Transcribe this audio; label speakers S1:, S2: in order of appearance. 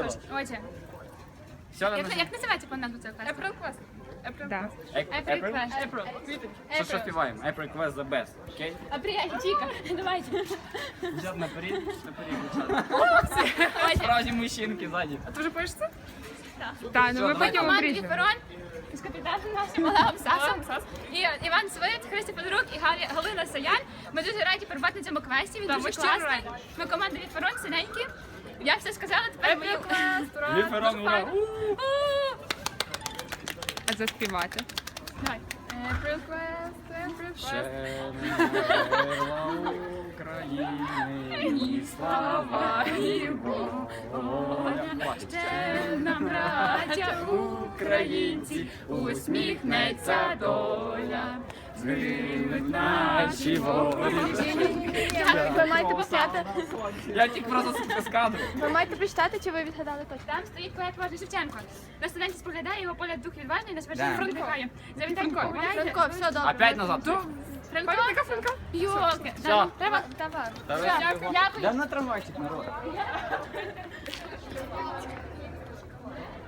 S1: точно.
S2: Отже,
S3: Все,
S2: як називається по-англійськи цього класу?
S1: April Quest. April
S4: Да.
S2: April Quest.
S1: April.
S3: Що співаємо? April Quest the best, окей?
S2: Апрель, Чіка, давайте.
S3: Дівчат наперед, дівчат. Справжні мужчинки ззаді.
S1: А ти вже пишеш це?
S4: Так, ну ми
S3: Що,
S4: потім
S2: Команда
S4: обріжемо.
S2: Віферон з капітаном нашим Олегом Сасом. І Іван Свит, Христя Федорук і Галина Саян. Ми дуже раді перебувати на цьому квесті, він
S1: Так,
S2: дуже
S1: ми щиро
S2: класний.
S1: раді.
S2: Ми команда Віферон, синенькі. Я все сказала, тепер мою...
S3: Віферон, ура!
S4: А заспівати.
S2: Давай.
S1: April Quest, April
S3: Ще
S1: Quest.
S3: не вмерла України, і слава, і воля.
S2: Ще нам, браття
S3: Українці, усміхнеться доля, згинуть наші волі.
S5: Ви маєте почати.
S3: Я тільки просто з кадру.
S5: Ви маєте прочитати, чи ви відгадали точно?
S2: Там стоїть поет Важний Шевченко. На студенті споглядає його погляд дух відважний, на
S3: Да.
S2: свершення фронт дихає. Завітайте, погуляйте.
S5: Франко, все добре.
S3: Опять назад.
S2: Франко? Йолки.
S5: Все,
S2: Треба...
S5: давай.
S2: Дякую.
S3: Да на трамвайчик, народ.